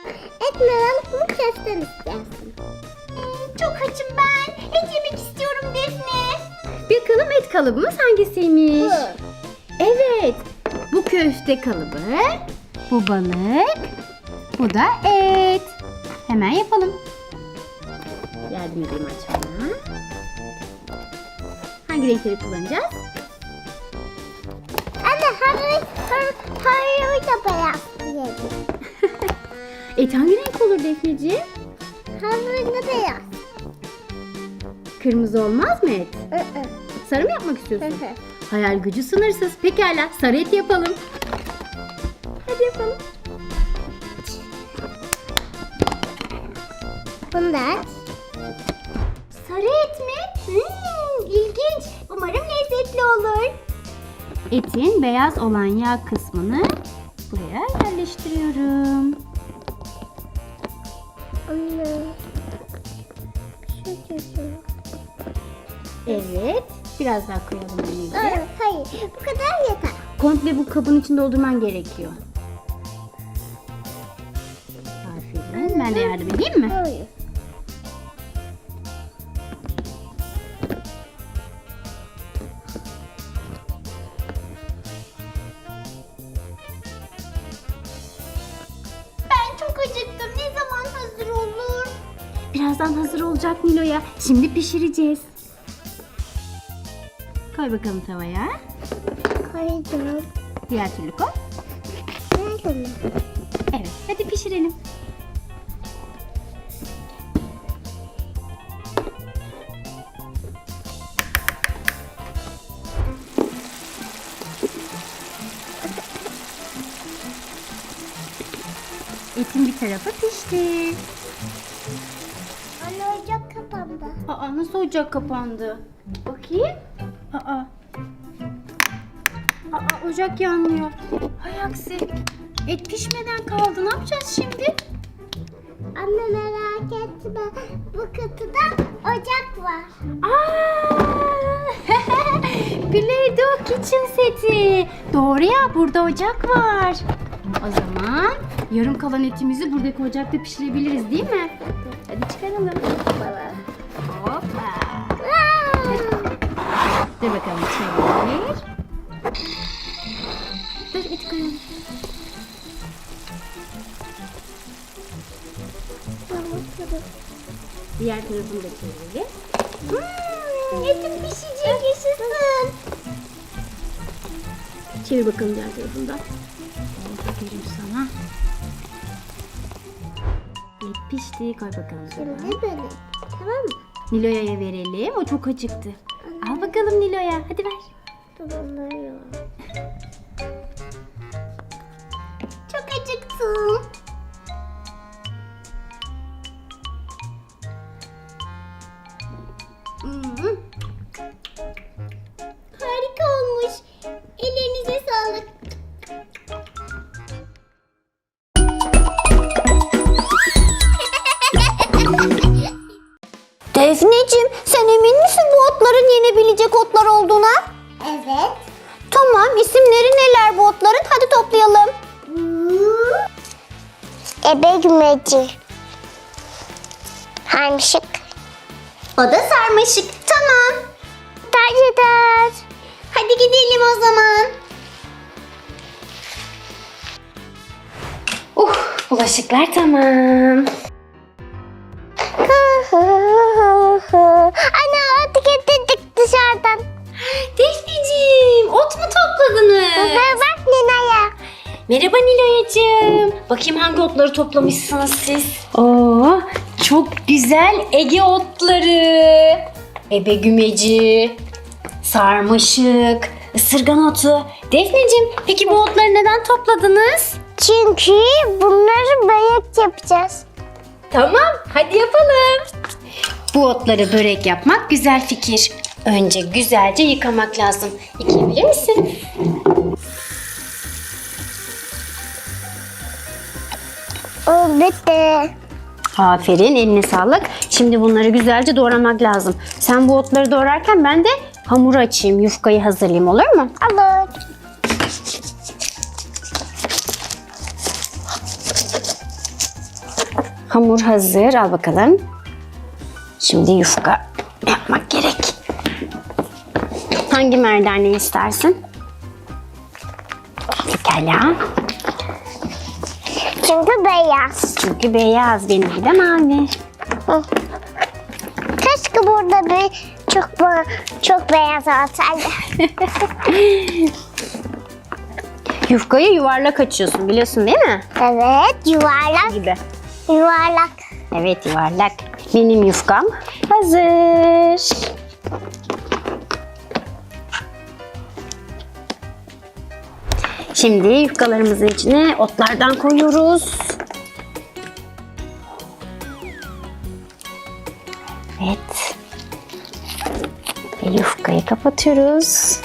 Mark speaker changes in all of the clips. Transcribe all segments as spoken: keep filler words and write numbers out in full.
Speaker 1: Et mi balık mı köfte mi istersin? Hmm, çok açım ben. Et yemek istiyorum Defne.
Speaker 2: Bakalım et kalıbımız hangisiymiş?
Speaker 1: Bu.
Speaker 2: Evet. Bu köfte kalıbı. Bu balık. Bu da et. Hemen yapalım. Yardım edeyim açmana. Hangi renkleri kullanacağız?
Speaker 1: Anne hayır, hayır, hayır da beyaz diyelim.
Speaker 2: Et hangi renk olur Defneciğim?
Speaker 1: Hayır da beyaz.
Speaker 2: Kırmızı olmaz mı et?
Speaker 1: Hı hı.
Speaker 2: Sarı mı yapmak istiyorsun?
Speaker 1: Hı hı.
Speaker 2: Hayal gücü sınırsız. Pekala, sarı et yapalım. Hadi yapalım.
Speaker 1: Bunu da aç. Sarı et mi? Hmm, ilginç. Umarım lezzetli olur.
Speaker 2: Etin beyaz olan yağ kısmını buraya yerleştiriyorum.
Speaker 1: Anne. Şu çocuğu.
Speaker 2: Evet. Biraz daha koyalım önce.
Speaker 1: Hayır, hayır. Bu kadar yeter.
Speaker 2: Komple bu kabın içinde doldurman gerekiyor. Aferin. Ben de yardım edeyim mi?
Speaker 1: Hayır. Ben çok acıktım. Ne zaman hazır olur?
Speaker 2: Birazdan hazır olacak Nilo'ya. Şimdi pişireceğiz. Koy bakalım tavaya.
Speaker 1: Koydum.
Speaker 2: Diğer türlü koy.
Speaker 1: Nerede mi?
Speaker 2: Evet. Hadi pişirelim. Etin bir tarafı pişti.
Speaker 1: Anne ocak kapandı.
Speaker 2: Aa, nasıl ocak kapandı? Bakayım. Aa. Aa, ocak yanmıyor. Hay aksi. Et pişmeden kaldı. Ne yapacağız şimdi?
Speaker 1: Anne merak etme. Bu kutuda ocak var.
Speaker 2: Aa! Play-Doh kitchen seti. Doğru ya, burada ocak var. O zaman yarım kalan etimizi buradaki ocakta pişirebiliriz değil mi? Hadi çıkaralım. Hoppa. Dur bakalım, çevir. Dur, eti koyalım. Diğer tarafını da çevirelim.
Speaker 1: Hmm, etim pişecek, yaşasın.
Speaker 2: Çevir bakalım diğer tarafını da. Aferin sana. Et pişti. Koy bakalım sana.
Speaker 1: Şimdi böyle. Tamam mı?
Speaker 2: Nilo'ya verelim. O çok acıktı. Al bakalım Nilo'ya. Hadi ver.
Speaker 1: Dolanıyor. Çok acıktım. Hmm. Harika olmuş. Ellerinize sağlık.
Speaker 3: Defneciğim, sen emin misin bu otların yenebilecek otlar olduğuna?
Speaker 1: Evet.
Speaker 3: Tamam, isimleri neler bu otların? Hadi toplayalım.
Speaker 1: Ebe gümeci. Harmışık.
Speaker 3: O da sarmaşık. Tamam.
Speaker 1: Tercih eder.
Speaker 3: Hadi gidelim o zaman.
Speaker 2: Uh, bulaşıklar tamam.
Speaker 1: Anne ot getirdik dışarıdan.
Speaker 2: Defneciğim, ot mu topladınız?
Speaker 1: Bak Nina'ya.
Speaker 2: Merhaba Nilo'yacığım. Bakayım hangi otları toplamışsınız siz? Oo, çok güzel Ege otları. Ebe gümeci, sarmaşık, ısırgan otu. Defneciğim, peki bu otları neden topladınız?
Speaker 1: Çünkü bunları börek yapacağız.
Speaker 2: Tamam, hadi yapalım. Bu otları börek yapmak güzel fikir. Önce güzelce yıkamak lazım. Yıkayabilir misin?
Speaker 1: O bitti.
Speaker 2: Aferin, eline sağlık. Şimdi bunları güzelce doğramak lazım. Sen bu otları doğrarken ben de hamuru açayım, yufkayı hazırlayayım, olur mu?
Speaker 1: Olur.
Speaker 2: Hamur hazır. Al bakalım. Şimdi yufka yapmak gerek. Hangi merdane istersin? Pekala.
Speaker 3: Çünkü beyaz.
Speaker 2: Çünkü beyaz, benimki de mavi.
Speaker 3: Hı. Keşke burada bir çok ba- çok beyaz olsaydı.
Speaker 2: Yufkayı yuvarlak açıyorsun, biliyorsun değil mi?
Speaker 3: Evet, yuvarlak
Speaker 2: Gibi.
Speaker 3: yuvarlak.
Speaker 2: Evet, yuvarlak. Benim yufkam hazır. Şimdi yufkalarımızın içine otlardan koyuyoruz. Evet. Ve yufkayı kapatıyoruz.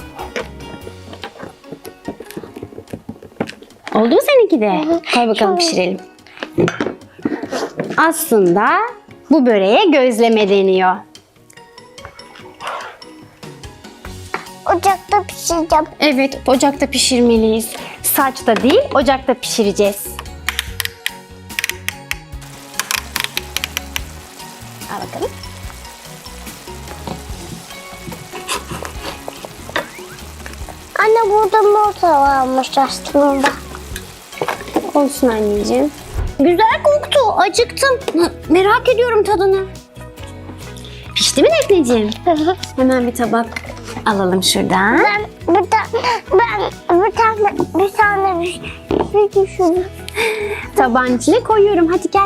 Speaker 2: Oldu mu seninki de? Koy bakalım pişirelim. Aslında bu böreğe gözleme deniyor.
Speaker 3: Ocakta pişireceğim.
Speaker 2: Evet, ocakta pişirmeliyiz. Saçta değil, ocakta pişireceğiz. Al bakalım.
Speaker 3: Anne burada morta varmış aslında.
Speaker 2: Olsun anneciğim. Güzel koktu, acıktım. Merak ediyorum tadını. Pişti mi Defneciğim? Hemen bir tabak alalım şuradan.
Speaker 3: Ben bir tane ben bir tane bir tane bir şey düşündüm.
Speaker 2: Tabağın içine koyuyorum. Hadi gel.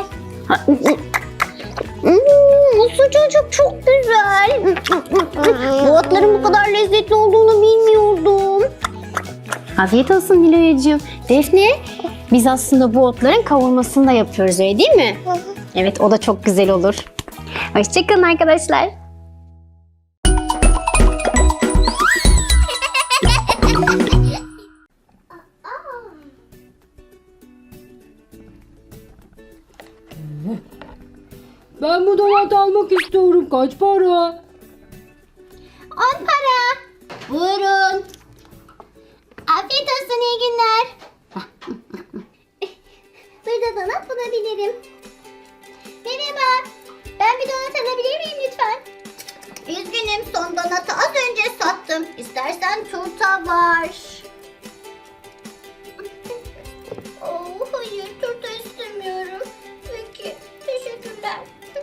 Speaker 2: Hmm, bu sucuk çok güzel. Bu otların bu kadar lezzetli olduğunu bilmiyordum. Afiyet olsun Nilo'yacığım. Defne, biz aslında bu otların kavurmasını da yapıyoruz, öyle değil mi? Evet, o da çok güzel olur. Hoşçakalın arkadaşlar.
Speaker 4: Ben bu donat almak istiyorum. Kaç para?
Speaker 1: On para. Buyurun. Afiyet olsun, iyi günler. Burada donat bulabilirim. Merhaba. Ben bir donat alabilir miyim lütfen? Üzgünüm, son donatı az önce sattım. İstersen turta var. Oh, hayır, turta istemiyorum. Peki, teşekkürler.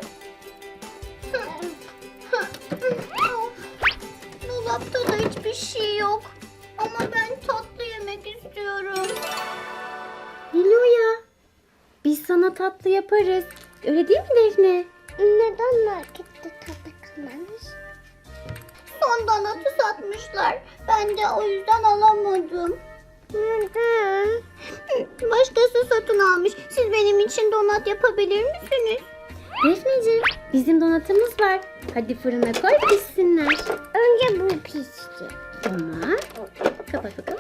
Speaker 1: Dolapta da hiçbir şey yok. Ama ben tatlı yemek istiyorum.
Speaker 2: Nilo'ya, biz sana tatlı yaparız. Öyle değil mi Defne?
Speaker 3: Neden markette tadı kalmamış?
Speaker 1: Son donatı satmışlar. Ben de o yüzden alamadım.
Speaker 3: Neden?
Speaker 1: Başkası satın almış. Siz benim için donat yapabilir misiniz?
Speaker 2: Defneciğim, bizim donatımız var. Hadi fırına koy, pişsinler.
Speaker 3: Önce bu pişti.
Speaker 2: Tamam. Kapat bakalım.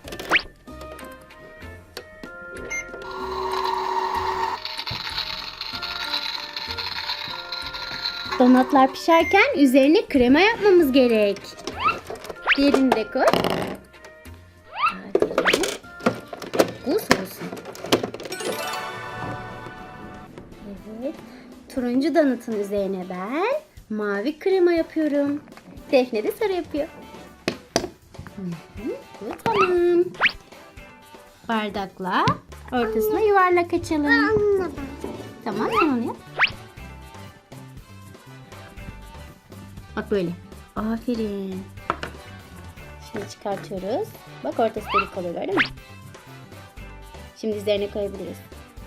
Speaker 2: Donatlar pişerken üzerine krema yapmamız gerek. Diğerini de koy. Aferin. Bu soğusun. Evet. Turuncu donatın üzerine ben mavi krema yapıyorum. Defne de sarı yapıyor. Hı hı, bu tamam. Bardakla ortasına yuvarlak açalım.
Speaker 3: Anladım.
Speaker 2: Tamam, sen onu yap. Bak böyle. Aferin. Şimdi çıkartıyoruz. Bak ortası delik oluyor, gördün mü? Şimdi üzerine koyabiliriz.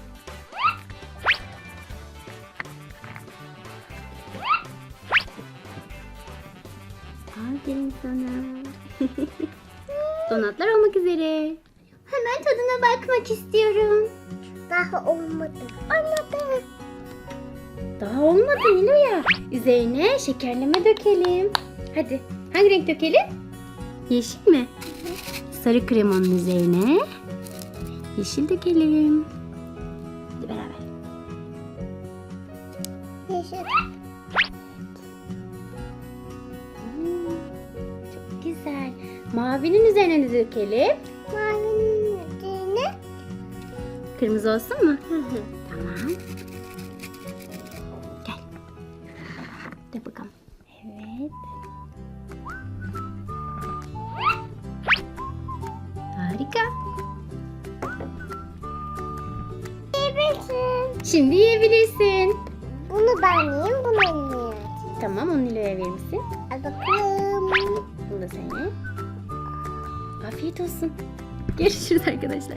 Speaker 2: Aferin sana. Donatlar olmak üzere.
Speaker 1: Hemen tadına bakmak istiyorum.
Speaker 3: Daha olmadı. Olmadı.
Speaker 2: Daha olmadı Nilo'ya. Üzerine şekerleme dökelim. Hadi. Hangi renk dökelim? Yeşil mi? Sarı kremanın üzerine yeşil dökelim. Hadi beraber.
Speaker 3: Yeşil.
Speaker 2: Hmm, çok güzel. Mavinin üzerine de dökelim.
Speaker 3: Mavinin üzerine.
Speaker 2: Kırmızı olsun mu? Tamam.
Speaker 3: yiyebilirsin.
Speaker 2: Şimdi yiyebilirsin.
Speaker 3: Bunu ben yiyeyim, bunu yiyeyim.
Speaker 2: Tamam, onu Nilo'ya verir misin?
Speaker 3: Al bakalım.
Speaker 2: Bunu da sen ye. Afiyet olsun. Görüşürüz arkadaşlar.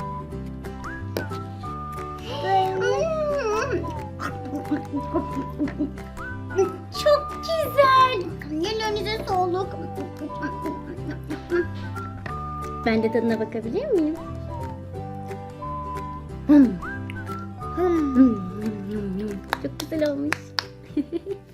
Speaker 1: Çok güzel. Ellerinize sağlık.
Speaker 2: Ben de tadına bakabilir miyim? Hmm.
Speaker 3: Hmm.
Speaker 2: Hmm. Çok güzel olmuş.